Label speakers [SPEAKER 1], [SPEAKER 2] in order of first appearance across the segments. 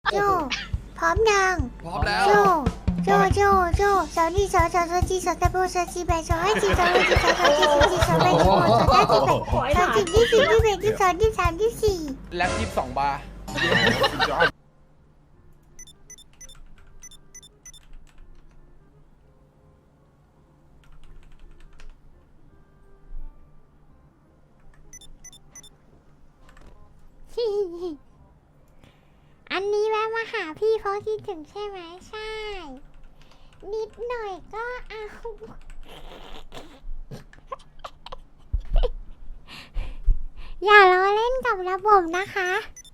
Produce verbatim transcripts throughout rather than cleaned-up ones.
[SPEAKER 1] โจพร้อมยัง
[SPEAKER 2] พร้อมแล้ว
[SPEAKER 1] โจโจโจโจสาวนี่สาวสาวสาวจีสาวตะโบสาวจีแบสาวให้จีสาวให้จีสาวสาวจีสาวจีสาวแบสาวสาวจีแบสาวจีที่สี่ที่แบที่สองที่สามที่สี่
[SPEAKER 2] แล็บยี่สิบสองบาร์
[SPEAKER 1] อันนี้แวะมาหาพี่เพราะคิดถึงใช่ไหมใช่ นิดหน่อยก็เอา อย่าล้อเล่นกับระบบนะคะ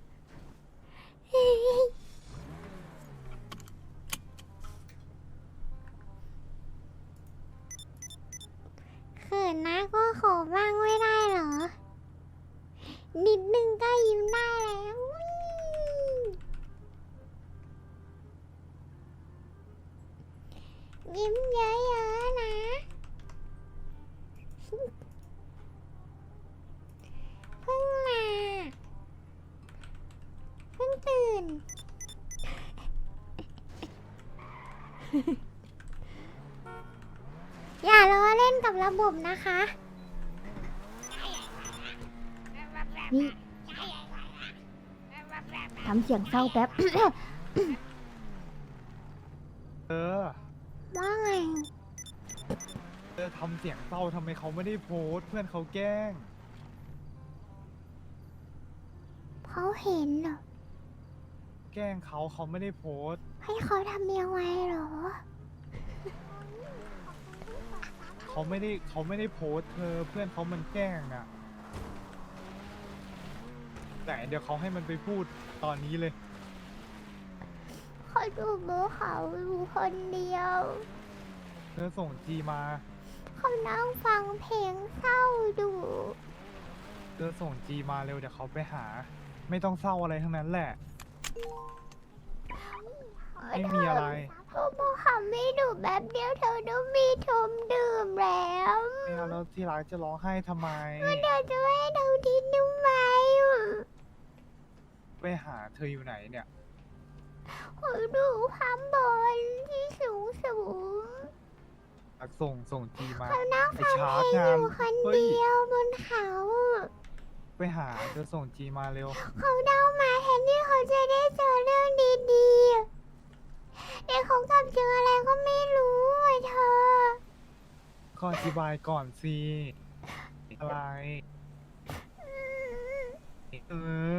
[SPEAKER 1] เขินนะก็ขอบ้างไม่ได้เหรอ นิดนึงก็ยิ้มได้แล้วยิ้มเยอะๆนะเพิ่งมาเพิ่งตื่น อย่าล้อเล่นกับระบบนะคะนี่ทำเสียงเศร้าแป๊บ
[SPEAKER 3] เออ
[SPEAKER 1] ว่าไง
[SPEAKER 3] เออทำเสียงเศร้าทำไมเขาไม่ได้โพสต์เพื่อนเขาแกล้ง
[SPEAKER 1] เขาเห็นเหรอ
[SPEAKER 3] แกล้งเขาเขาไม่ได้โพสต์
[SPEAKER 1] ให้เขาทำยังไงเหรอ
[SPEAKER 3] เขาไม่ได้เขาไม่ได้โพสต์เธอเพื่อนเขามันแกล้งอ่ะแต่เดี๋ยวเขาให้มันไปพูดตอนนี้เลย
[SPEAKER 1] เขาดูมือเขาอยู่คนเดียว
[SPEAKER 3] เธอส่งจีมา
[SPEAKER 1] เขานั่งฟังเพลงเศร้าดู
[SPEAKER 3] เธอส่งจีมาเร็วเดี๋ยวเขาไปหา ไม่ต้องเศร้าอะไรทั้งนั้นแหละ ไม่มีอะไร
[SPEAKER 1] ก็บอกเขาไม่ดูแบบเดียวเธอต้องมีทมดื่มแล้ว
[SPEAKER 3] ไม่เอาแล้วที่รักจะร้องไห้ทำไม
[SPEAKER 1] เดี๋ยวจะให้เราทิ้งทำไม
[SPEAKER 3] ไปหาเธออยู่ไหนเนี่ย
[SPEAKER 1] เขาดูความบนที่สูงสูง
[SPEAKER 3] ส่งส่งจีมา
[SPEAKER 1] เขานั่ง
[SPEAKER 3] ไป
[SPEAKER 1] ฟัง
[SPEAKER 3] ชา
[SPEAKER 1] เพ
[SPEAKER 3] ร์จ
[SPEAKER 1] ลง
[SPEAKER 3] งา
[SPEAKER 1] อน ยู่คน
[SPEAKER 3] เฮ้ย
[SPEAKER 1] เดียวบนเขา
[SPEAKER 3] ไปหาเธอส่งจีมาเร็ว
[SPEAKER 1] เขาเดามาแทนที่เขาจะได้เจอเรื่องดีๆแต่เขากลับเจออะไรก็ไม่รู้อ่ะเธอ
[SPEAKER 3] ก็อธิบายก่อนสิอะไร เออ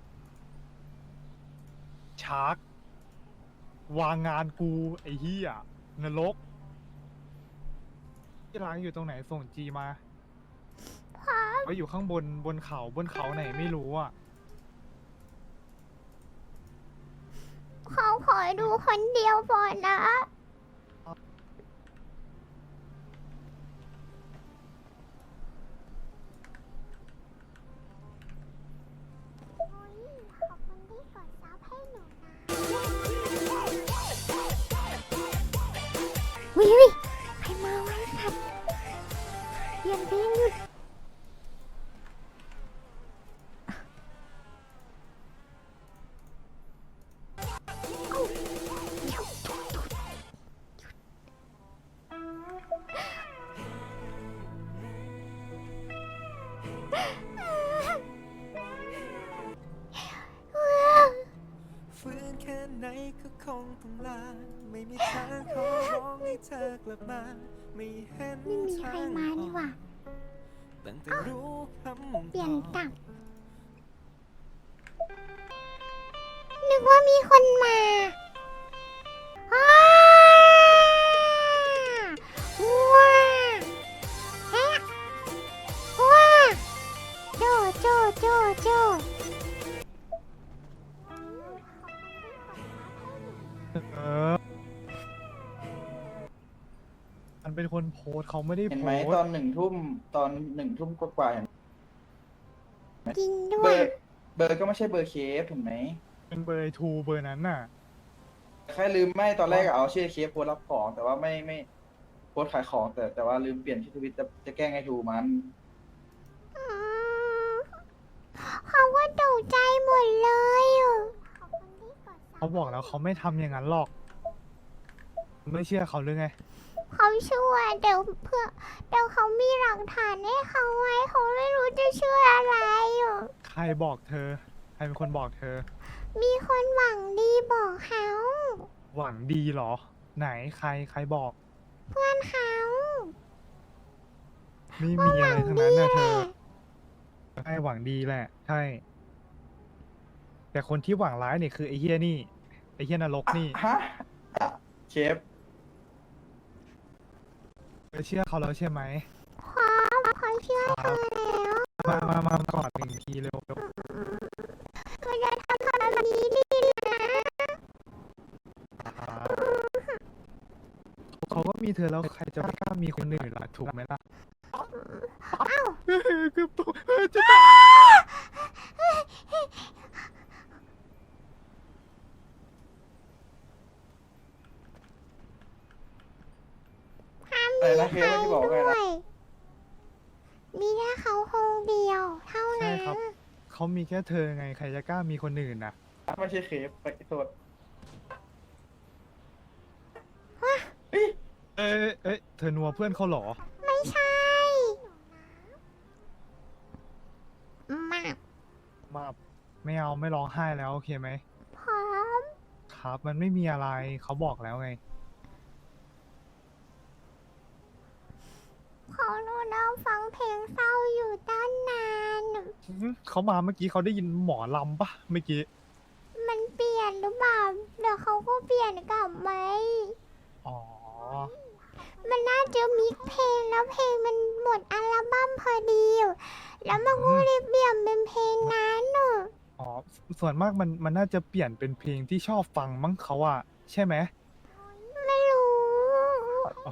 [SPEAKER 3] ชาร์กวางงานกู ไอ้เหี้ยนรกที่ร้านอยู่ตรงไหนส่งจีมาไว้อยู่ข้างบนบนเขาบนเขาไหนไม่รู้อ่ะ
[SPEAKER 1] เขาขอดูคนเดียวก่อนนะ ขอบคุณที่กดซับให้หนูนะวิวิใครมาไว้ครับเปลี่ยนเพลงหยุด
[SPEAKER 4] ฟื้นแค่ไหนก็คงต้องลา ไม่มีทางขอร้องให้เธอกลับมา ไม่เห็น
[SPEAKER 1] ไม่มีใครมานี่หว่า
[SPEAKER 4] ตั้งแต่รู้คำ
[SPEAKER 1] เปลี่ยนตับนึกว่ามีคนมาอ้าว้าแฮะว้าโจโจโจโจ
[SPEAKER 3] เออ มันเป็นคนโพสต์เขาไม่ได้
[SPEAKER 5] เห็น
[SPEAKER 3] โพ
[SPEAKER 5] ไหม
[SPEAKER 3] ส
[SPEAKER 5] ตอ
[SPEAKER 3] ต์
[SPEAKER 5] นหนึ่งทุ่มตอนหนึ่งทุ่มกว่าๆเห็น
[SPEAKER 1] จริงด้
[SPEAKER 5] เบ
[SPEAKER 1] ว
[SPEAKER 5] อย ร์เบอร์ก็ไม่ใช่เบอร์เคฟเห็นไหม
[SPEAKER 3] เป็นเบอร์ทูเบอร์นั้นน่ะ
[SPEAKER 5] แค่ลืมไม่ตอนแรกอะเอาชื่อเคฟโพสต์รับของ แต่ว่าไม่ไม่โพสต์ขายของ แต่แต่ว่าลืมเปลี่ยนชื่อทวิตจะจะแกล้งไอ้ทูมัน
[SPEAKER 1] อืมเขาก็ตกใจหมดเลยอ่ะขอบคุณที่กดซับ
[SPEAKER 3] เขาบอกแล้วเขาไม่ทำอย่างนั้นหรอก ไม่เชื่อเขาหรือไง
[SPEAKER 1] เขาช่วยเดี๋ยวเพื่อเดี๋ยวเขามีหลักฐานให้เขาไว้เขาไม่รู้จะช่วยอะไรอยู่
[SPEAKER 3] ใครบอกเธอ ใครเป็นคนบอกเธอ
[SPEAKER 1] มีคนหวังดีบอกเขา
[SPEAKER 3] หวังดีเหรอ ไหนใครใครบอก
[SPEAKER 1] เพื่อนเขา
[SPEAKER 3] ไม่
[SPEAKER 1] ว่า
[SPEAKER 3] มี
[SPEAKER 1] ห
[SPEAKER 3] อะ
[SPEAKER 1] วั
[SPEAKER 3] ไรง ทั้ง
[SPEAKER 1] ดี
[SPEAKER 3] นั้นนะ
[SPEAKER 1] แห
[SPEAKER 3] เธ
[SPEAKER 1] ละ
[SPEAKER 3] อ ใช่หวังดีแหละ ใช่ แต่คนที่หวังร้ายเนี่ยคือไอ้เฮียนี่ ไอ้เฮียนรกนี่
[SPEAKER 5] ฮะเชฟ
[SPEAKER 3] เธอเชื่อเขาแล้วใช่ไหม
[SPEAKER 1] พร้อมเขาเชื่อเธอแล้ว
[SPEAKER 3] มา มา มากอดหนึ่งทีเร็วเร็ว
[SPEAKER 1] เขาจะทำแบบนี้ดีนะ
[SPEAKER 3] เขาก็มีเธอแล้วใครจะไม่กล้ามีคนอื่นล่ะ ถูกไหมล่ะ
[SPEAKER 1] อ้าว
[SPEAKER 3] เฮ้ยคือตัวเฮ้ยจะตาย
[SPEAKER 1] ห้าม
[SPEAKER 5] อะไร
[SPEAKER 1] มี
[SPEAKER 5] นะ
[SPEAKER 1] ใค
[SPEAKER 5] เค
[SPEAKER 1] ร
[SPEAKER 5] สที่บอกว่าไง
[SPEAKER 1] ด้ว
[SPEAKER 5] นะ
[SPEAKER 1] ย มีแค่เขาคนเดียว เท่า
[SPEAKER 3] ใช่
[SPEAKER 1] นั้น
[SPEAKER 3] ครับ เขามีแค่เธอไง ใครจะกล้ามีคนอื่นน่ะ
[SPEAKER 5] ไม่ใช่เคฟไปโทษ
[SPEAKER 3] เอ้ยเอ้ย เธอนัวเพื่อนเขาเหรอ
[SPEAKER 1] ไม่ใช่มาก
[SPEAKER 3] มา ไม่เอาไม่ร้องไห้แล้วโอเคไหม
[SPEAKER 1] พร้อม
[SPEAKER 3] ครับ มันไม่มีอะไร เขาบอกแล้วไง
[SPEAKER 1] เขาโดนเราฟังเพลงเศร้าอยู่ตั้งนาน
[SPEAKER 3] อื้อเขามาเมื่อกี้เขาได้ยินหมอลำปะเมื่อกี้
[SPEAKER 1] มันเปลี่ยนหรือเปล่าเดี๋ยวเขาก็เปลี่ยนกลับไหม
[SPEAKER 3] อ๋อ
[SPEAKER 1] มันน่าจะมิกเพลงแล้วเพลงมันหมดอัลบั้มพอดี แล้วมันก็เลยเปลี่ยนเป็นเพลงนั้นเนอะ
[SPEAKER 3] อ๋อ ส่วนมากมันมันน่าจะเปลี่ยนเป็นเพลงที่ชอบฟังมั้งเขาอะใช่ไหม
[SPEAKER 1] ไม่รู้
[SPEAKER 3] อ๋อ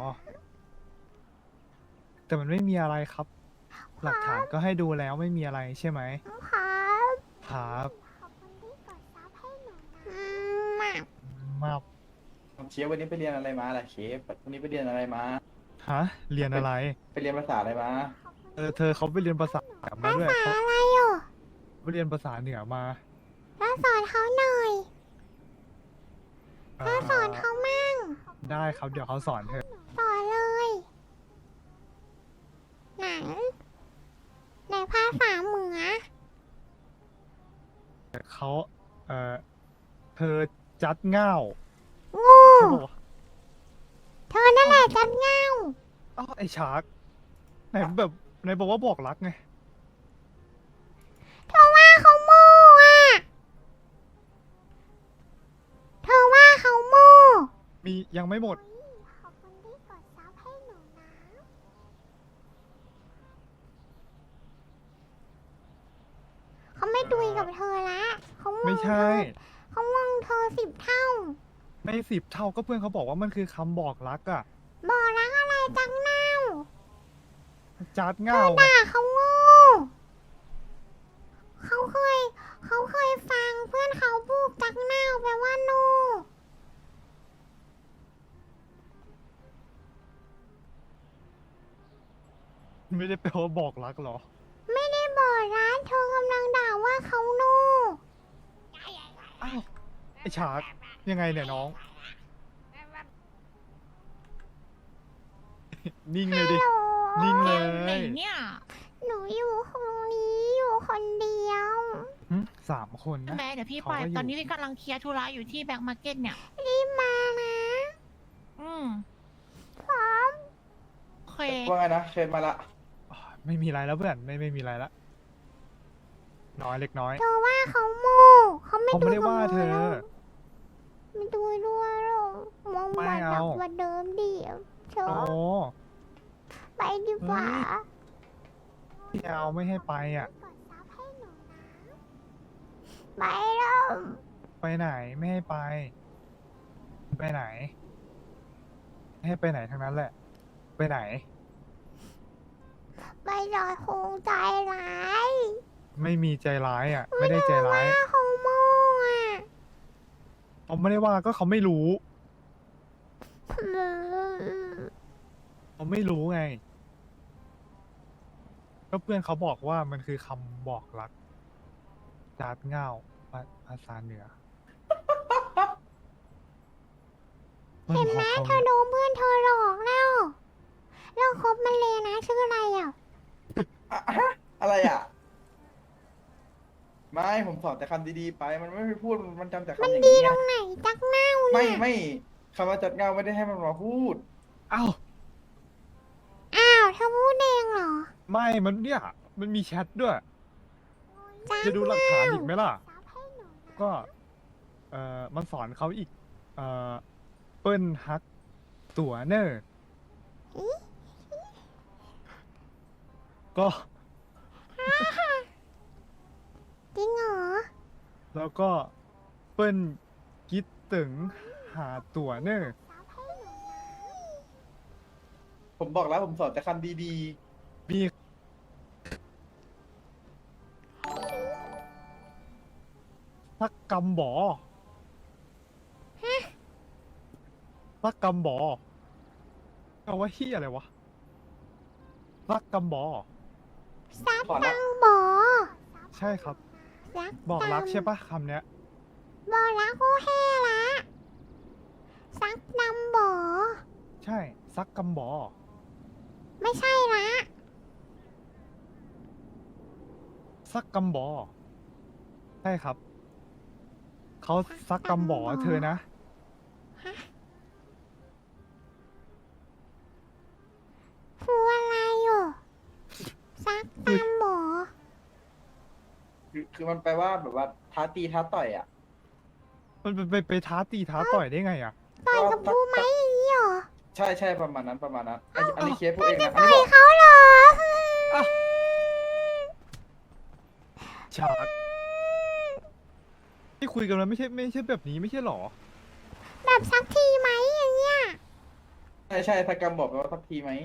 [SPEAKER 3] แต่มันไม่มีอะไรครับ หลักฐานก็ให้ดูแล้วไม่มีอะไรใช่ไหม
[SPEAKER 1] ครับ
[SPEAKER 3] ครับ
[SPEAKER 1] ขอบคุณที่กดซับให้หนูนะอืมมาก
[SPEAKER 3] มา
[SPEAKER 5] เชฟวันนี้ไปเรียนอะไรมาล่ะเชฟวันนี้ไปเรียนอะไรมา
[SPEAKER 3] ฮะ เรียนอะไร
[SPEAKER 5] ไปเรียนภาษาอะไรมา
[SPEAKER 3] เออ เธอเขาไปเรียนภาษาเหนือมา
[SPEAKER 1] ภา
[SPEAKER 3] ด้วย
[SPEAKER 1] ษา
[SPEAKER 3] เขา
[SPEAKER 1] อะไรอยู่
[SPEAKER 3] ไปเรียนภาษาเหนือมา
[SPEAKER 1] แล้วสอนเขาหน่อย
[SPEAKER 3] เอ่
[SPEAKER 1] ถ้าสอน
[SPEAKER 3] อ
[SPEAKER 1] เขามั่ง
[SPEAKER 3] ได้ครับ เดี๋ยวเขาสอนเธอ
[SPEAKER 1] สอนเลยไหนในภาษาเหนือ
[SPEAKER 3] เขาเออเธอจัดเง่า
[SPEAKER 1] โงู
[SPEAKER 3] เขาบอกว่า
[SPEAKER 1] เธอนั่นแหละจัดเงา
[SPEAKER 3] อ้าวไอชาร์กไหนแบบไหนบอกว่าบอกรักไง
[SPEAKER 1] เธอว่าเขาโม่อะเธอว่าเขาโม่
[SPEAKER 3] มียังไม่หมด
[SPEAKER 1] ขอบคุณที่กดซับให้หนูนะเขาไม่ดุยกับเธอละเขามอง
[SPEAKER 3] ไม่ใช่
[SPEAKER 1] เธอเขามองเธอสิบเท่า
[SPEAKER 3] ไม่สิบเท่าก็เพื่อนเขาบอกว่ามันคือคำบอกรักอะ
[SPEAKER 1] บอกรักอะไรจังเน่า
[SPEAKER 3] จัด
[SPEAKER 1] เธ
[SPEAKER 3] เง่า
[SPEAKER 1] อ
[SPEAKER 3] ไง
[SPEAKER 1] ด่าเขาโง่เขาเคย เขาเคยฟังเพื่อนเขาพูดจักเน่าแปลว่าโน
[SPEAKER 3] ไม่ได้แปลว่าบอกรักหรอ
[SPEAKER 1] ไม่ได้บอกร้านเธอกำลังด่าว่าเขาโน่
[SPEAKER 3] อ้าวไอชาร์กยังไงเนี่ยน้อง นิ่งเลยดิ
[SPEAKER 1] ฮัลโหล
[SPEAKER 3] นิ่งเล
[SPEAKER 2] ไหน
[SPEAKER 3] ย
[SPEAKER 2] เนี่ย
[SPEAKER 1] หนูอยู่ตรงนี้อยู่คนเดียว
[SPEAKER 3] หึสามคน
[SPEAKER 2] ใช่
[SPEAKER 3] นะ
[SPEAKER 2] ไหมเดี๋ยวพี่
[SPEAKER 3] เขา
[SPEAKER 2] ไป
[SPEAKER 3] ก็อยู่
[SPEAKER 2] ตอนนี้พี่กำลังเคลียร์ธุระอยู่ที่แบ็คมาร์เก็ตเนี่ย
[SPEAKER 1] รีบมานะ
[SPEAKER 2] อืม
[SPEAKER 1] พร้อม
[SPEAKER 2] โอเค
[SPEAKER 5] ว่าไงนะเคฟมาละ
[SPEAKER 3] อ่าไม่มีอะไรแล้วเพื่อน ไม่ไม่มีอะไรละน้อยเล็กน้อย
[SPEAKER 1] เธอว่าเขาโม่เขาไม่
[SPEAKER 3] เขาไม่ได้
[SPEAKER 1] กับ
[SPEAKER 3] ว่าเธอ
[SPEAKER 1] หรกไม่ดูด้วยหรอกมอง
[SPEAKER 3] ไม่
[SPEAKER 1] มาหนั
[SPEAKER 3] เอา
[SPEAKER 1] กกว่าเดิมดิเธอ
[SPEAKER 3] โอ้
[SPEAKER 1] ไปดีกว่า
[SPEAKER 3] เฮ้ย พี่เอาไม่ให้ไปอ่ะ
[SPEAKER 1] กดซับให้หนูนะไปแล้ว
[SPEAKER 3] ไปไหนไม่ให้ไป ไปไหน ไม่ให้ไปไหนทั้งนั้นแหละ ไปไหน
[SPEAKER 1] ไปลอยคงใจร้าย
[SPEAKER 3] ไม่มีใจร้ายอ่ะ ไม่ได้ใจร้าย
[SPEAKER 1] ว่าเขาโม่อะ
[SPEAKER 3] เขาไม่ได้ว่าก็เขาไม่รู้
[SPEAKER 1] อืม
[SPEAKER 3] เขาไม่รู้ไง ก็เพื่อนเขาบอกว่ามันคือคำบอกรักจาดเง่าภาภาษาเหนือมัน
[SPEAKER 1] เห็น
[SPEAKER 3] พ
[SPEAKER 1] ไหม
[SPEAKER 3] อเขา
[SPEAKER 1] เธอโดนเพื่อนเธอหลอกแล้วเราคบมันเลยนะชื่ออะไรอ่ะ
[SPEAKER 5] อะฮะอะไรอ่ะ ไม่ผมสอนแต่คำดีๆไป มันไม่ไปพูดมันจำแต่คำอย่าง
[SPEAKER 1] ดี
[SPEAKER 5] นี้
[SPEAKER 1] ต
[SPEAKER 5] ไง
[SPEAKER 1] รงไหนจักเน่า
[SPEAKER 5] ไม่
[SPEAKER 1] เนี่ย
[SPEAKER 5] ไม่คำว่าจัดเงาไม่ได้ให้มันมาพูด
[SPEAKER 3] อ้าว
[SPEAKER 1] อ้าวเธอพูดเองเหรอ
[SPEAKER 3] ไม่มันเนี่ยมันมีแชทด้วย
[SPEAKER 1] จัก
[SPEAKER 3] จะดูหลักฐานอีกไหมล่ะ
[SPEAKER 1] ซับให้หนูนะ
[SPEAKER 3] ก็ เอ่อ มันสอนเขาอีก เอ่อ เปิ้ลฮัก ตัวเนอร์ก็
[SPEAKER 1] จริงเหรอ
[SPEAKER 3] แล้วก็เปิ้ลคิดถึงหาตัวเนอร์
[SPEAKER 1] ซับให้หนูนะ
[SPEAKER 5] ผมบอกแล้วผมสอนแต่คำดี
[SPEAKER 3] มีสักกำบอสักกำบอเอาว่าเฮียอะไรวะสักกำบอ
[SPEAKER 1] ซับ
[SPEAKER 5] ขอรั
[SPEAKER 1] ตั
[SPEAKER 5] ก
[SPEAKER 1] งบอ
[SPEAKER 3] ใช่ครับ
[SPEAKER 1] รัก
[SPEAKER 3] บอกรัก
[SPEAKER 1] ตัง
[SPEAKER 3] ใช่ปะคำเนี้ย
[SPEAKER 1] บอกรักโอแห่ละซักตังบอ
[SPEAKER 3] ใช่ซักกำบอ
[SPEAKER 1] ไม่ใช่ละ
[SPEAKER 3] ซักกำบอ ใช่ครับ เขาซักกำบอเธอนะ
[SPEAKER 1] ฟูอะไรอยู่ซักตังบอ
[SPEAKER 5] ๆ คือคือมันแปลว่าแบบว่าท้าตีท้าต่อยอ่ะ
[SPEAKER 3] มันไปไปไปท้าตีท้าต่อยได้ไงอ่ะ
[SPEAKER 1] ต่อยกับฟูไหมอย่างนี้เหรอ
[SPEAKER 5] ใช่ใช่ประมาณนั้นประมาณนั้นอันอันนี้เคสพูดเองนะอัน
[SPEAKER 1] ต่
[SPEAKER 5] นี้
[SPEAKER 1] อย
[SPEAKER 5] บอก
[SPEAKER 1] เขาเหรอ
[SPEAKER 3] ฉากที่คุยกันแล้วไม่ใช่ไม่ใช่แบบนี้ไม่ใช่หรอ
[SPEAKER 1] แบบซักทีไหมอย่างเงี้ย
[SPEAKER 5] ใช่ใช่ถ้ากำบอกแปลว่าทักทีไหม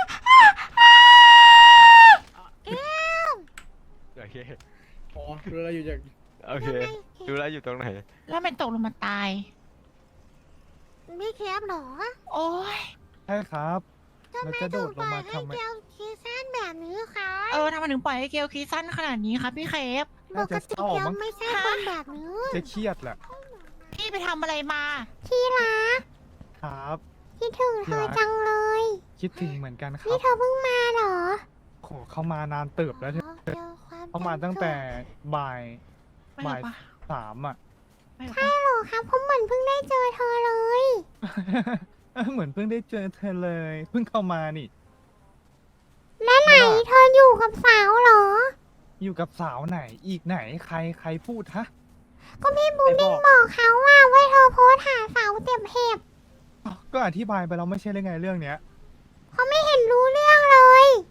[SPEAKER 6] โอเค
[SPEAKER 7] อ๋อรู้แล้วอยู่จาก
[SPEAKER 6] โอเค ดูแลวอยู่ตรงไหน
[SPEAKER 2] แล้วมันตกลงมาตาย
[SPEAKER 1] ไม่แคบเหรอ
[SPEAKER 2] โอ้ย
[SPEAKER 3] ใช่ครับเราจะโดดลงมาทำไม
[SPEAKER 1] เกียวคีสั้นแบบนี้คะ
[SPEAKER 2] เออทำไมถึงปล่อยให้เกลคีสั้นขนาดนี้คะพี่เคฟ
[SPEAKER 1] ป
[SPEAKER 3] น่าก จะ
[SPEAKER 1] ติ
[SPEAKER 3] เศร้า
[SPEAKER 1] เกียว
[SPEAKER 3] มั้ง
[SPEAKER 1] ไม่ใช่คนแบบนี้
[SPEAKER 3] จะเครียดแหละ
[SPEAKER 2] พี่ไปทำอะไรมา
[SPEAKER 1] ที่รัก
[SPEAKER 3] ครับ
[SPEAKER 1] คิดถึงเธอจังเลย
[SPEAKER 3] คิดถึงเหมือนกันครั
[SPEAKER 1] นี่
[SPEAKER 3] บ
[SPEAKER 1] เธอเพิ่งมาเหรอ
[SPEAKER 3] โหเขามานานเติบแล้วเธอ
[SPEAKER 1] เจอความ
[SPEAKER 3] เขามาตั้งแต่บ่าย
[SPEAKER 2] ไม่หร
[SPEAKER 3] บ่า
[SPEAKER 2] อย กปะ
[SPEAKER 3] สามอ่ะ
[SPEAKER 2] ไม่หรอก
[SPEAKER 1] ใช่
[SPEAKER 2] ปะ
[SPEAKER 1] เหรอครับผมเหมือนเพิ่งได้เจอเธอเลย
[SPEAKER 3] เหมือนเพิ่งได้เจอเธอเลย เพิ่งเข้ามานี่
[SPEAKER 1] และไหนเธออยู่กับสาวเหรอ
[SPEAKER 3] อยู่กับสาวไหนอีกไหนใครใครพูดฮะ
[SPEAKER 1] ก็พี่บู
[SPEAKER 3] ใคร
[SPEAKER 1] ดิ้
[SPEAKER 3] บ
[SPEAKER 1] ง
[SPEAKER 3] อก
[SPEAKER 1] บอกเขาว่าไว้เธอโพสต์หาสาวเต็มเห็บ
[SPEAKER 3] อ้าวก็อธิบายไปแล้วไม่ใช่เรื่องไงเรื่องเนี้ย
[SPEAKER 1] เขาไม่เห็นรู้เรื่องเลย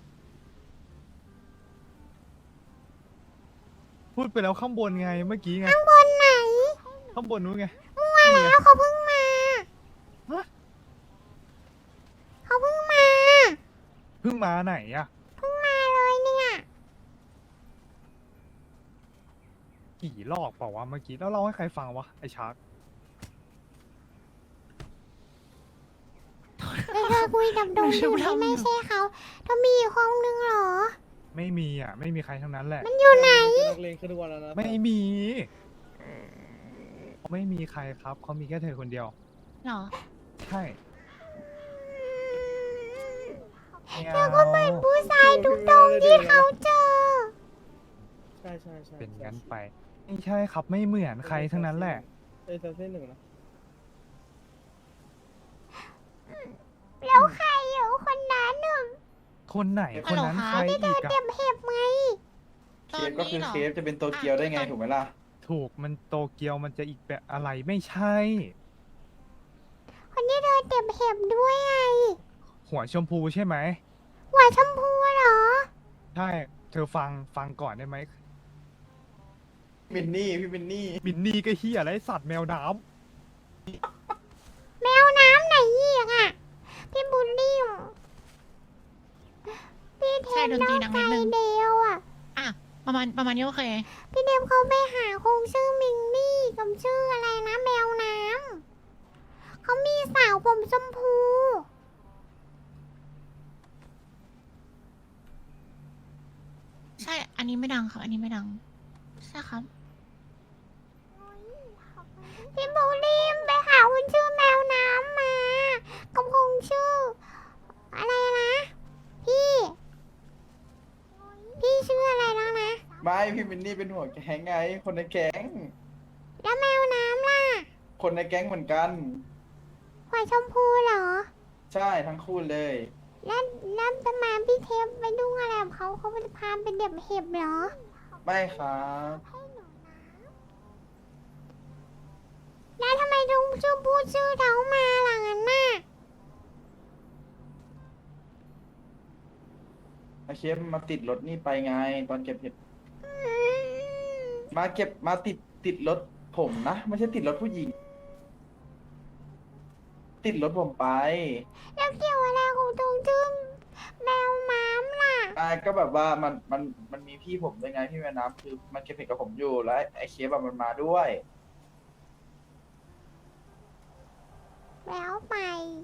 [SPEAKER 3] พูดไปแล้วข้างบนไงเมื่อกี้ไง
[SPEAKER 1] ข้างบนไหน
[SPEAKER 3] ข้างบนนู้นไง
[SPEAKER 1] มั่วแล้วเขาเพิ่งมา
[SPEAKER 3] ฮะ
[SPEAKER 1] เขาเพิ่งมา
[SPEAKER 3] เพิ่งมาไหนอะ
[SPEAKER 1] เพิ่งมาเลยเนี่ย
[SPEAKER 3] กี่รอบเปล่าวะเมื่อกี้แล้วเล่าให้ใครฟังวะไอชาร์ก
[SPEAKER 1] แล้วเธอคุยกับดงอยู่ที่ไม่ใช่เขาเธอมีอีกห้องนึงเหรอ
[SPEAKER 3] ไม่มีอ่ะ ไม่มีใครทั้งนั้นแหละ
[SPEAKER 1] มันอยู่ไหน
[SPEAKER 7] เป็นนักเลงขึ้นทุกวันแล้วนะ
[SPEAKER 3] ไม่มี ไม่มีใครครับเขามีแค่เธอคนเดียว
[SPEAKER 2] เหรอ
[SPEAKER 3] ใช่ไม่
[SPEAKER 1] เธอก็เหมือน
[SPEAKER 3] เอา
[SPEAKER 1] ผู้ชายทุกตรงที่เขาเจอ
[SPEAKER 7] ใช่ใช่ใช่
[SPEAKER 3] เป็นงั้นไป ไม่ใช่ครับไม่เหมือนใครทั้งนั้นแหละ
[SPEAKER 7] เอ้ยซับเส้นหนึ่งนะ
[SPEAKER 1] แล้วใครอยู่คนนั้นหนึ่ง
[SPEAKER 3] คนไหนคนนั้น
[SPEAKER 2] ฮั
[SPEAKER 3] ใค
[SPEAKER 2] ล
[SPEAKER 3] ร
[SPEAKER 2] โหล
[SPEAKER 3] อีก
[SPEAKER 1] เต็
[SPEAKER 3] อะ
[SPEAKER 1] มเห็บไหม
[SPEAKER 5] เคสก็คือเคสจะเป็นโตเกียวได้ไงถูกไหมล่ะ
[SPEAKER 3] ถูกมันโตเกียวมันจะอีกแบบอะไรไม่ใช่
[SPEAKER 1] คนที่เธอเต็มเห็บด้วยไง
[SPEAKER 3] หัวชมพูใช่ไหม
[SPEAKER 1] หัวชมพูเหรอ
[SPEAKER 3] ใช่ เธอฟังฟังก่อนได้ไหม
[SPEAKER 5] มินนี่พี่มินนี่
[SPEAKER 3] มินนี่ก็เฮียอะไรสัตว์แมวน้
[SPEAKER 1] แมวน้ำไหนอีกอ่ะ พี่บุลลี่พี่เท
[SPEAKER 2] ใช่
[SPEAKER 1] น
[SPEAKER 2] ดน
[SPEAKER 1] น้
[SPEAKER 2] ตรี
[SPEAKER 1] อง
[SPEAKER 2] ดัง
[SPEAKER 1] ไฟ
[SPEAKER 2] นิดนึง
[SPEAKER 1] เดียวอ่ะ
[SPEAKER 2] อ่ะ ประมาณประมาณนี้โอเค
[SPEAKER 1] พี่เดมเขาไปหาคงชื่อมิงนี่กับชื่ออะไรนะแมวน้ำเขามีสาวผมชมพู
[SPEAKER 2] ใช่ อันนี้ไม่ดังครับ อันนี้ไม่ดัง ใช่ครับ
[SPEAKER 1] พี่บุลลี่ไปหาคนชื่อแมวน้ำมา
[SPEAKER 5] พี่มินนี่เป็นหัวแก๊งไง คนในแก๊ง
[SPEAKER 1] แล้วแมวน้ำล่ะ
[SPEAKER 5] คนในแก๊งเหมือนกัน
[SPEAKER 1] หัวชมพูเหรอ
[SPEAKER 5] ใช่ทั้งคู่เลย
[SPEAKER 1] แล้วแล้วทำไมพี่เทปไปดุ้งอะไรกับเขาเขาจะพาไปเด็บเห็บเหรอ
[SPEAKER 5] ไม่ครับ
[SPEAKER 1] แล้วทำไมลุงชื่อพูดชื่อเขามาหลังนั้นน่ะ
[SPEAKER 5] ไอเคฟมาติดรถนี่ไปไง ตอนเก็บเห็ดมาเก็บมาติดติดรถผมนะ ไม่ใช่ติดรถผู้หญิง ติดรถผมไป
[SPEAKER 1] แล้วเกี่ยวอะไรของตรงชื่อแมวม้ามล่ะ
[SPEAKER 5] อ่าก็แบบว่ามันมันมันมีพี่ผมด้วยไงพี่แม่น้ำคือมันเก็บเห็ดกับผมอยู่แล้วไอ้เคฟอะมันมาด้วย
[SPEAKER 1] แล้วไป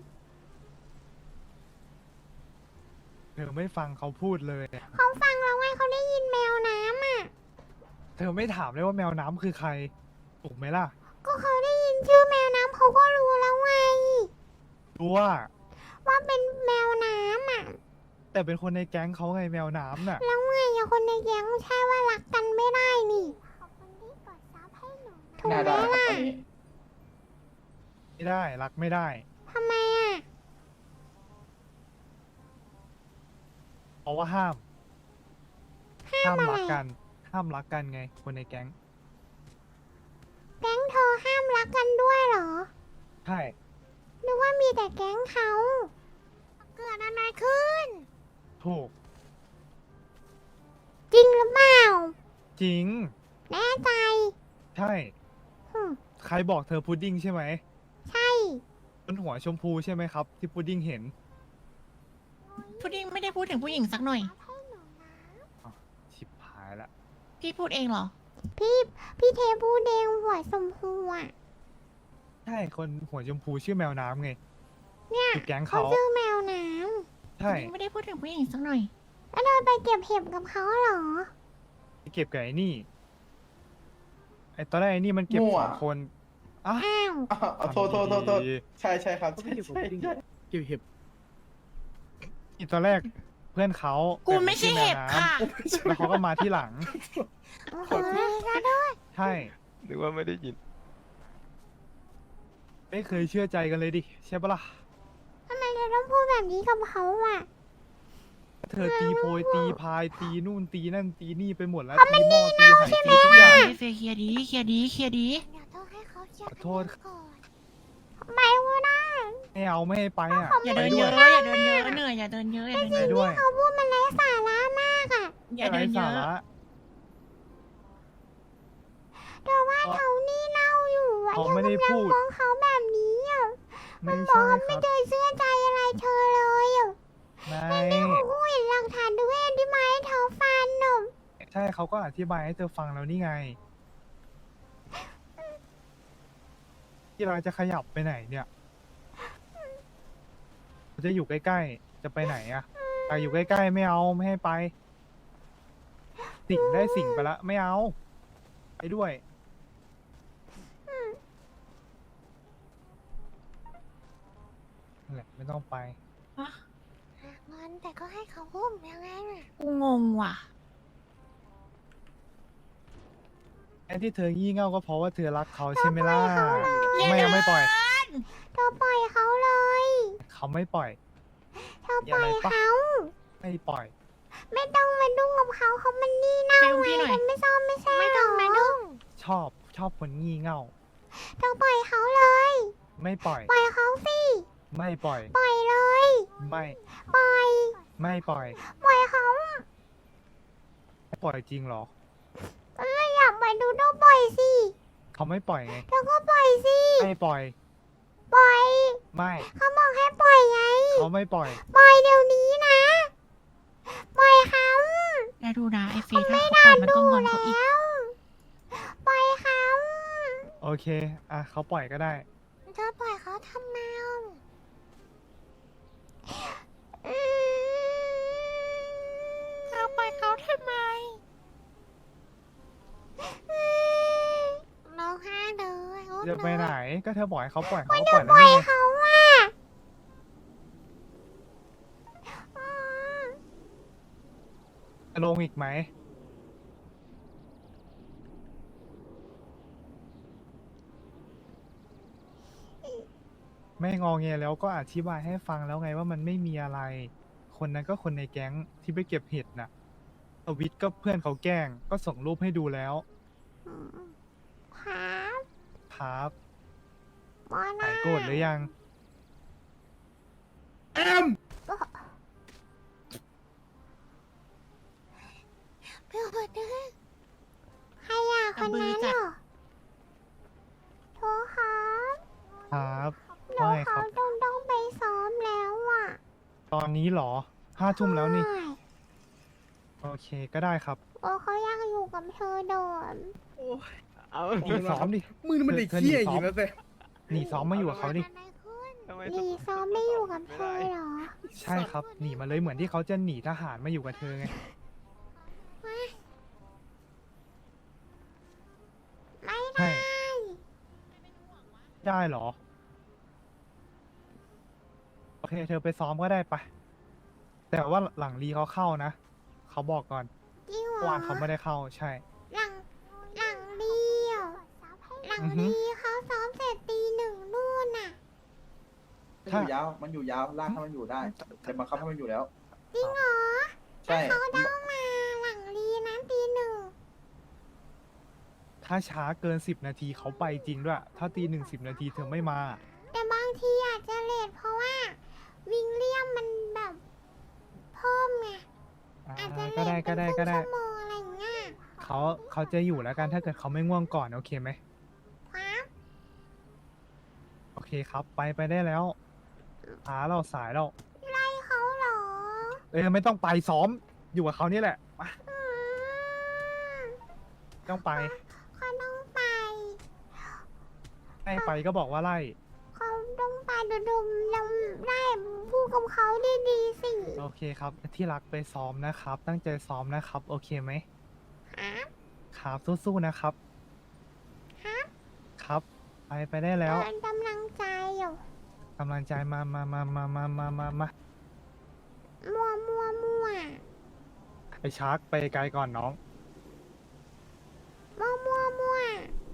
[SPEAKER 3] เธอไม่ฟังเขาพูดเลย
[SPEAKER 1] เขาฟังแล้วไงเขาได้ยินแมวน้ำอ่ะ
[SPEAKER 3] เธอไม่ถามเลยว่าแมวน้ำคือใคร ถูกไหมล่ะ
[SPEAKER 1] ก็เขาได้ยินชื่อแมวน้ำเขาก็รู้แล้วไง
[SPEAKER 3] รู้ว่า
[SPEAKER 1] ว่าเป็นแมวน้ำอ่ะ
[SPEAKER 3] แต่เป็นคนในแก๊งเขาไงแมวน้ำน่ะ
[SPEAKER 1] แล้วไงอะคนในแก๊งใช่ว่ารักกันไม่ได้นี่ขอบคุณที่กดซับให้หนูถูก
[SPEAKER 5] น่า
[SPEAKER 1] ไหม
[SPEAKER 5] ได้ครับ
[SPEAKER 1] ล่ะ
[SPEAKER 5] ตอนนี้
[SPEAKER 3] ไม่ได้รักไม่ได้
[SPEAKER 1] ทำไมอ่ะ
[SPEAKER 3] เพราะว่าห้าม
[SPEAKER 1] ห้า
[SPEAKER 3] ห้าม ม
[SPEAKER 1] อะไร
[SPEAKER 3] รักกัน ห้ามรักกันไง คนในแก๊ง
[SPEAKER 1] แก๊งเธอห้ามรักกันด้วยเหรอ
[SPEAKER 3] ใช่
[SPEAKER 1] นึกว่ามีแต่แก๊งเขา เกิดอะไรขึ้น
[SPEAKER 3] ถูก
[SPEAKER 1] จริงหรือเปล่า
[SPEAKER 3] จริง
[SPEAKER 1] แน่ใจ
[SPEAKER 3] ใช่
[SPEAKER 1] หึ
[SPEAKER 3] ใครบอกเธอพุดดิ้งใช่ไหม
[SPEAKER 1] ใช่
[SPEAKER 3] บนหัวชมพูใช่ไหมครับ ที่พุดดิ้งเห็น
[SPEAKER 2] พุดดิ้งไม่ได้พูดถึงผู้หญิงสักหน่อย
[SPEAKER 3] ชิบหายละ
[SPEAKER 2] พี่พูดเองเหรอ
[SPEAKER 1] พี่พี่เทพูเดงหัวสมพูอ่ะ
[SPEAKER 3] ใช่ คนหัวชมพูชื่อแมวน้ำไง
[SPEAKER 1] เนี่ย
[SPEAKER 3] คือแก๊ง
[SPEAKER 1] เขา
[SPEAKER 3] เขา
[SPEAKER 1] ชื่อแมวน้
[SPEAKER 3] ใช่
[SPEAKER 2] ไม่ได้พูดถึงผู้หญิงสักหน่อย
[SPEAKER 1] ำแล้วเธอไปเก็บเห็บกับเขาเหรอ
[SPEAKER 3] ไปเก็บกับไอ้นี่ ไอ้ตอนแรกไอ้นี่มันเก็บ
[SPEAKER 5] มั่ว
[SPEAKER 3] สองคนอ่ะ
[SPEAKER 1] อ้าว
[SPEAKER 5] อ้าวเอาโทษโทษโทษโทษ
[SPEAKER 3] ดี
[SPEAKER 5] ใช่ใช่ครับ
[SPEAKER 7] เขา
[SPEAKER 5] ใช่
[SPEAKER 7] ไม่อยู่กับ
[SPEAKER 5] ใช่
[SPEAKER 7] พุดดิ้ง
[SPEAKER 5] ใช่
[SPEAKER 7] เกี่ยวเห็บ
[SPEAKER 3] อีตอนแรกเพื่อนเขา
[SPEAKER 2] กูไม่ใช่เห็บค่ะ
[SPEAKER 3] แล้วเขาก็มาที่หลัง
[SPEAKER 1] โอ้โหก็ด้วย
[SPEAKER 3] ใช่
[SPEAKER 6] นึกว่าไม่ได้ยิน
[SPEAKER 3] ไม่เคยเชื่อใจกันเลยดิ ใช่ปะล่ะ
[SPEAKER 1] ทำไมเธอต้องพูดแบบนี้กับเขาอ่ะ
[SPEAKER 3] เธอตีโพยตีพายตีนู่นตีนั่นตีนี่ไปหมดแล้วตีหม้อตีไหตีทุกอย่าง
[SPEAKER 2] เฟยเคลียร์ดีเคลียร์ดีเคลียร์ดี
[SPEAKER 1] เดี๋ยวต้องให้เขาเคลียร์
[SPEAKER 3] ขอโทษ
[SPEAKER 1] กันก่อนทำไมวะนะ
[SPEAKER 3] ไม่เอาไม่ให้ไปอ่ะ
[SPEAKER 2] อย่า
[SPEAKER 3] ไป
[SPEAKER 2] เดิน
[SPEAKER 3] ด้
[SPEAKER 2] เย
[SPEAKER 3] วย
[SPEAKER 2] อะอย่าเดินเยอะเหนื่อยอย่าเดินเยอะอย่าเดิน
[SPEAKER 3] ไป
[SPEAKER 2] เยอะ
[SPEAKER 3] ด้วย
[SPEAKER 1] เขาพูดมันไร้สาระมากอ่ะ
[SPEAKER 2] อย่าเดิ
[SPEAKER 3] ไร้
[SPEAKER 2] นเย
[SPEAKER 3] สา
[SPEAKER 2] อะ
[SPEAKER 3] ระ
[SPEAKER 1] เธอว่าเขานี่เล่าอยู่อ่ะ
[SPEAKER 3] เขา
[SPEAKER 1] เธอ
[SPEAKER 3] ไม่ได้
[SPEAKER 1] กำลัง
[SPEAKER 3] พูด
[SPEAKER 1] มองเขาแบบนี้อ่ะ
[SPEAKER 3] ไม่
[SPEAKER 1] บอ
[SPEAKER 3] ใช่
[SPEAKER 1] ก
[SPEAKER 3] ค
[SPEAKER 1] ไม่
[SPEAKER 3] รับ
[SPEAKER 1] เคยเชื่อใจอะไรเธอเลยอ่ะ
[SPEAKER 3] ไม่
[SPEAKER 1] เขาพูดเห็นหลักฐานด้วยที่ไม้เธอฟันหนุ่ม
[SPEAKER 3] ใช่เขาก็อธิบายให้เธอฟังแล้วนี่ไง ที่เราจะขยับไปไหนเนี่ยเราจะอยู่ใกล้ๆ จะไปไหนอะไปอยู่ใกล้ๆไม่เอาไม่ให้ไป สิ่งได้สิ่งไปละไม่เอา ไปด้วยนั่นแหละไม่ต้องไป
[SPEAKER 1] งอนแต่ก็ให้เขาอุ้มยังไงน่ะ
[SPEAKER 2] กูงงว่ะ
[SPEAKER 3] ไอ้ที่เธองี่เง่าก็เพราะว่าเธอรักเขาใช่ไหมล่ะ
[SPEAKER 2] อย่า
[SPEAKER 3] ไม่
[SPEAKER 2] เดิ
[SPEAKER 3] เอา
[SPEAKER 2] น
[SPEAKER 3] ไม่ปล่อย
[SPEAKER 1] เธอปล่อยเขาเลย
[SPEAKER 3] เขาไม่ปล่อย
[SPEAKER 1] เธอปล่อย
[SPEAKER 3] อย่าเลยปะ
[SPEAKER 1] เขา
[SPEAKER 3] ไม่ปล่อย
[SPEAKER 1] ไม่ต้องมาดุ้งกับเขาเขามันนี่เน่า
[SPEAKER 2] ไปอุ้มพี่หน่อย
[SPEAKER 1] เธอไม่ชอบไม่ใช่ไม่ต้องมาดุ้ง
[SPEAKER 3] ชอบชอบคนงี่เง่า
[SPEAKER 1] เธอปล่อยเขาเลย
[SPEAKER 3] ไม่ปล่อย
[SPEAKER 1] ปล่อยเขาสิ
[SPEAKER 3] ไม่ปล่อย
[SPEAKER 1] ปล่อยเลย
[SPEAKER 3] ไม่
[SPEAKER 1] ปล่อย
[SPEAKER 3] ไม่ปล่อย
[SPEAKER 1] ปล่อยเขา
[SPEAKER 3] ไม่ปล่อยจริงเหรอ
[SPEAKER 1] เอออยากไปดูต้องปล่อยสิ
[SPEAKER 3] เขาไม่ปล่อยไง
[SPEAKER 1] เธอก็ปล่อยสิ
[SPEAKER 3] ไม่ปล่อย
[SPEAKER 1] ปล่อย
[SPEAKER 3] ไม่
[SPEAKER 1] เขาบอกให้ปล่อยไง
[SPEAKER 3] เขาไม่ปล่อย
[SPEAKER 1] ปล่อยเดี๋ยวนี้นะ ปล่อยเขา
[SPEAKER 2] แล้วดูนะไอ้เฟยถ้าเขาปล่อยมันก็งอนเขาอีก
[SPEAKER 1] แล้ว ปล่อยเขา
[SPEAKER 3] โอเค อ่ะเขาปล่อยก็ได้
[SPEAKER 1] เธอปล่อยเขาทำไมอืม
[SPEAKER 2] เราปล่อยเขาทำไม
[SPEAKER 1] ร้องไห้เลยโอ๊ย
[SPEAKER 3] จะไปไหน ก็เธอบอกให้เขาปล่อยเขาก็
[SPEAKER 1] เธ
[SPEAKER 3] ปล่
[SPEAKER 1] อ
[SPEAKER 3] อย
[SPEAKER 1] ป
[SPEAKER 3] แล้ว
[SPEAKER 1] ล่อย
[SPEAKER 3] นี่ไง
[SPEAKER 1] เขาอ่ะอืม
[SPEAKER 3] ลงอีกไหมไม่งอแงแล้วก็อธิบายให้ฟังแล้วไงว่ามันไม่มีอะไร คนนั้นก็คนในแก๊งที่ไปเก็บเห็ดน่ะทวิตก็เพื่อนเขาแกล้งก็ส่งรูปให้ดูแล้ว
[SPEAKER 1] อืมครับ
[SPEAKER 3] ครับ
[SPEAKER 1] บอนา
[SPEAKER 3] หายโกรธหรือยัง
[SPEAKER 7] แอม
[SPEAKER 1] เพื่อนคนนึงใครอ่ะคนนั้นเหรอโทรครับ
[SPEAKER 3] ครับ
[SPEAKER 1] เรา
[SPEAKER 3] ว่าไงค
[SPEAKER 1] เขา
[SPEAKER 3] รับ
[SPEAKER 1] ต้องต้องไปซ้อมแล้วอ่ะ
[SPEAKER 3] ตอนนี้เหรอห้าทุ่มแล้วนี่
[SPEAKER 1] ใช่
[SPEAKER 3] โอเคก็ได้ครับ
[SPEAKER 1] โอ้เขายังอยู่กับเธอโดน
[SPEAKER 7] โอ้ย
[SPEAKER 6] เอา
[SPEAKER 3] หนีซ้อมดิ
[SPEAKER 7] มึงนี่มันเด็กเหี้ยอย่างนี้แล้วแต่
[SPEAKER 3] หนีซ้อมมาอยู่กับเขาดิ
[SPEAKER 1] อะไรขึ้น
[SPEAKER 6] ทำไม
[SPEAKER 1] ลีซ้อมไม่อยู่กับเธอเหรอ
[SPEAKER 3] ใช่ครับ หนีมาเลยเหมือนที่เขาจะหนีทหารมาอยู่กับเธอไง
[SPEAKER 1] ไม่
[SPEAKER 3] ใช่
[SPEAKER 1] ได้
[SPEAKER 3] ได้เหรอ โอเค เธอไปซ้อมก็ได้ปะแต่ว่าหลังรีเขาเข้านะ เขาบอกก่อน
[SPEAKER 1] จริงเหร
[SPEAKER 3] เมื่อ
[SPEAKER 1] อ
[SPEAKER 3] วานเขาไม่ได้เข้าใช่
[SPEAKER 1] หลังหลังลีอ่ะหลัง
[SPEAKER 3] อือฮึ
[SPEAKER 1] ลีเขาซ้อมเสร็จตีหนึ่งนู่นน่ะ
[SPEAKER 5] มันอยู่ยาว มันอยู่ยาว ลากให้มันอยู่ได้แต่บังคับให้มันอยู่แล้ว
[SPEAKER 1] จริงเหรอ
[SPEAKER 5] ใช่
[SPEAKER 1] เขาต้องมาหลังลีนะตีหนึ่ง
[SPEAKER 3] ถ้าช้าเกินสิบนาทีเขาไปจริงด้วย ถ้าตีหนึ่งสิบนาทีเธอไม่มา
[SPEAKER 1] แต่บางทีอาจจะเลทเพราะว่า วิงเลียมมันแบบเพิ่มไง
[SPEAKER 3] อ่า
[SPEAKER 1] อาจจะเล
[SPEAKER 3] ก็
[SPEAKER 1] ท
[SPEAKER 3] ได้
[SPEAKER 1] เป็
[SPEAKER 3] ก็
[SPEAKER 1] น
[SPEAKER 3] ได้
[SPEAKER 1] ค
[SPEAKER 3] ก็
[SPEAKER 1] รึ่ง
[SPEAKER 3] ได้
[SPEAKER 1] ชั่วโมงอะไรอย่างเงี้ย
[SPEAKER 3] เขาเขาจะอยู่แล้วกันถ้าเกิดเขาไม่ง่วงก่อนโอเคไหม
[SPEAKER 1] ครับ
[SPEAKER 3] โอเคครับ ไปไปได้แล้วช้าเราสายเรา
[SPEAKER 1] ไล่เขาเหรอ
[SPEAKER 3] เออไม่ต้องไปซ้อมอยู่กับเขานี่แหละมา
[SPEAKER 1] อืม
[SPEAKER 3] ต้องไป
[SPEAKER 1] เขาต้องไป
[SPEAKER 3] ให้ไปก็บอกว่าไล่
[SPEAKER 1] เขาต้องไปดูดูยังได้พูดกับเขาดีๆสิ
[SPEAKER 3] โอเคครับ ที่รักไปซ้อมนะครับ ตั้งใจซ้อมนะครับ โอเคไหม
[SPEAKER 1] ครับ
[SPEAKER 3] ครับสู้ๆนะครับ
[SPEAKER 1] ครับ
[SPEAKER 3] ครับ ไปไปได้แล้ว
[SPEAKER 1] เป็นกำลังใจอยู่
[SPEAKER 3] กำลังใจมามามามามามามามา
[SPEAKER 1] มัวมัวมัว
[SPEAKER 3] ไอชาร์กไปไกลก่อนน้อง
[SPEAKER 1] มัวมัวมัว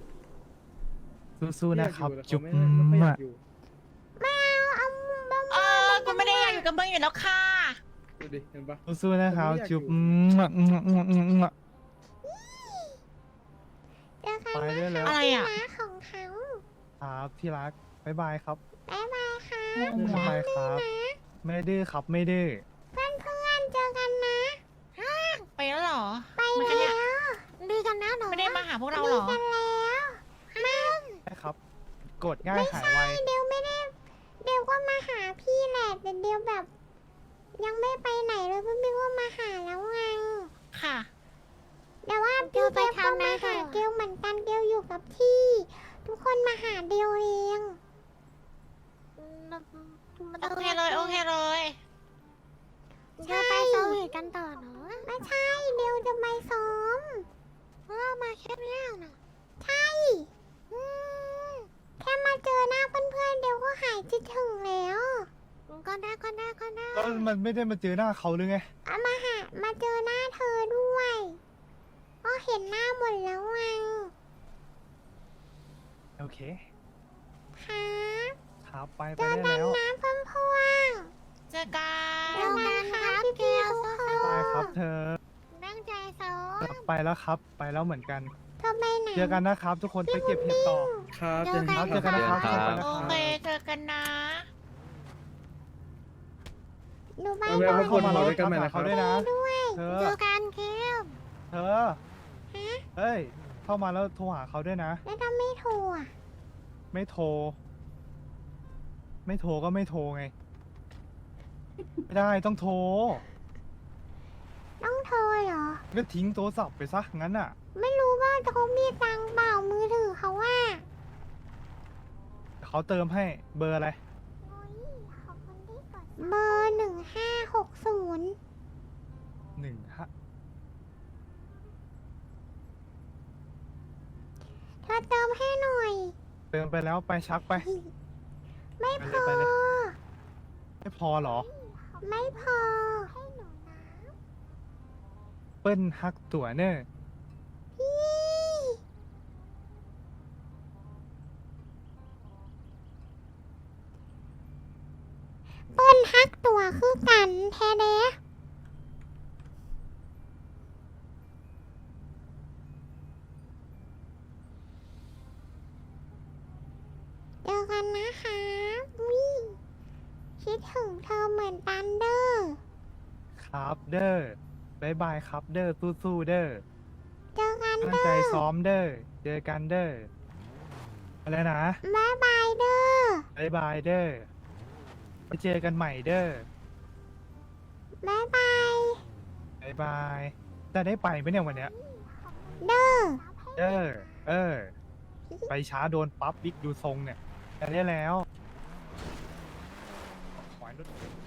[SPEAKER 3] สู้ๆนะครับ
[SPEAKER 7] อยากอยู่
[SPEAKER 3] จุ๊บ
[SPEAKER 7] แต่เขาไม่ไม่ค่อยอยากอยู่
[SPEAKER 1] ไม่เอาเอามัว
[SPEAKER 2] เอ
[SPEAKER 1] มัว
[SPEAKER 2] อกูไม่ได้อยากอยู่กับมึงอยู่แล้วค่ะ
[SPEAKER 7] ดูดิ เห็นปะ
[SPEAKER 3] สู้ๆนะครับ
[SPEAKER 7] ผมไม่อยาก
[SPEAKER 3] จุ๊บ
[SPEAKER 7] อยู่
[SPEAKER 1] เจอกัน
[SPEAKER 3] ไป
[SPEAKER 1] นะ
[SPEAKER 3] ได้แล้ว
[SPEAKER 2] อะไรอ่ะ
[SPEAKER 1] นะของเขา
[SPEAKER 3] ครับที่รักบ๊ายบายครับ
[SPEAKER 1] บ๊ายบายค่ะ
[SPEAKER 3] บ๊ายบายครับ ไม่ดื้อครับไม่ดื้อ
[SPEAKER 1] เพื่อนเพื่อนๆเจอกันนะ
[SPEAKER 2] ไปแล้วเหรอ
[SPEAKER 1] ไป
[SPEAKER 2] มันก็
[SPEAKER 1] แล้
[SPEAKER 2] เนี่ยว
[SPEAKER 1] ดีกันนะหนู
[SPEAKER 2] ไม่ได้มาหาพวกเราเหรอ
[SPEAKER 1] ดีกันแล้วไม่
[SPEAKER 3] ใช่ครับ กดง่ายหายไว
[SPEAKER 1] เดี๋ยวไม่ได้เดี๋ยวก็มาหาพี่แหละแต่เดี๋ยวแบบ ยังไม่ไปไหนเลยเพื่อนพี่ก็มาหาแล้วไง
[SPEAKER 2] ค่ะ
[SPEAKER 1] แต่ว่าพี่เกลก็มาหาเกลเหมือนกันเกลอยู่กับที่ ทุกคนมาหาเดียวเอง
[SPEAKER 2] โอเคเลย โอเคเลย
[SPEAKER 1] เดี๋ยวไปซ้อมกันต่อเนาะไม่ใช่เดี๋ยวจะไปซ้อมเพราะมาแค่เนี้ยน่ะใช่อืมแค่มาเจอหน้าเพื่อนๆเดี๋ยวก็หายคิดถึงแล้วก็ได้ก็ได้ก็ได้
[SPEAKER 3] แล้วมันไม่ได้มาเจอหน้าเขาหรือไง
[SPEAKER 1] เอามาหามาเจอหน้าเธอด้วยก็เห็นหน้าหมดแล้วไง
[SPEAKER 3] โอเค
[SPEAKER 1] ครับ
[SPEAKER 3] ครับไปไป
[SPEAKER 1] เจอ
[SPEAKER 3] ได้
[SPEAKER 1] กัน
[SPEAKER 3] แล้ว
[SPEAKER 1] นะเพื่อนพวง
[SPEAKER 2] เจอกั
[SPEAKER 1] เจอน กันครับพี่เกล
[SPEAKER 3] ไปครับเธอ
[SPEAKER 1] ตั้งใจซ้อม
[SPEAKER 3] ไปแล้วครับ ไปแล้วเหมือนกัน
[SPEAKER 1] เธอไปไหน
[SPEAKER 3] เจอกันนะครับ ทุกคนไปเก็บเห็ดต่อ
[SPEAKER 7] ครับ
[SPEAKER 1] เจอกัน
[SPEAKER 3] ครับเจอกันนะครับ
[SPEAKER 6] ครับ
[SPEAKER 3] ไปนะ
[SPEAKER 2] โอ
[SPEAKER 3] ครับ
[SPEAKER 2] เค เจอกันนะ
[SPEAKER 1] หนูไป
[SPEAKER 7] เอาไป
[SPEAKER 1] ด้ว
[SPEAKER 7] เอา
[SPEAKER 1] ย
[SPEAKER 7] ไปคนหมดด้วยกันใหม่นะค
[SPEAKER 3] เขา
[SPEAKER 7] รับ
[SPEAKER 3] ด้วยนะ
[SPEAKER 1] ด้วย
[SPEAKER 3] เธอ
[SPEAKER 1] เจอกันเคล
[SPEAKER 3] เธอ เฮ้ย เข้ามาแล้วโทรหาเขาด้วยนะ
[SPEAKER 1] แล้วถ้าไม่โทรอ่ะ
[SPEAKER 3] ไม่โทร ไม่โทรก็ไม่โทรไง ไม่ได้ต้องโทร
[SPEAKER 1] ต้องโทรเหรอ
[SPEAKER 3] ก็ทิ้งโทรศัพท์ไปซะงั้นอ่ะ
[SPEAKER 1] ไม่รู้ว่าเขามีตังค์เปล่ามือถือเขาว่า
[SPEAKER 3] เขาเติมให้เบอร์อะไร
[SPEAKER 1] เบอร์หนึ่งห้าหกศูนย์
[SPEAKER 3] หนึ่งฮะ
[SPEAKER 1] เธอเติมให้หน่อย
[SPEAKER 3] เติมไปแล้วไปชักไป
[SPEAKER 1] ไม่พอ
[SPEAKER 3] ไปเลยไปเลย ไม่พอเหรอ
[SPEAKER 1] ไม่พอให้หนูนะ
[SPEAKER 3] เปิ้ลฮักตัวเนอร์
[SPEAKER 1] พี่เทเดเจอกันนะคะวิคิดถึงเธอเหมือนกันเด้อ
[SPEAKER 3] ครับเด้อบายบายครับเด้อสู้ๆเด้อ
[SPEAKER 1] เจอกัน
[SPEAKER 3] ตั้ง
[SPEAKER 1] เด้อ
[SPEAKER 3] ใจซ้อมเด้อเจอกันเด้ออะไรนะ
[SPEAKER 1] บายบายเด้อบ
[SPEAKER 3] ายบายเด้อไปเจอกันใหม่เด้อบ
[SPEAKER 1] ายบาย
[SPEAKER 3] บายบายจะได้ไปไหมเนี่ยวันเนี้ย
[SPEAKER 1] เด้อ
[SPEAKER 3] เด้อเออ ไปช้าโดนปั๊บบิ๊กดูทรงเนี่ยจะได้แล้วขอให้รถ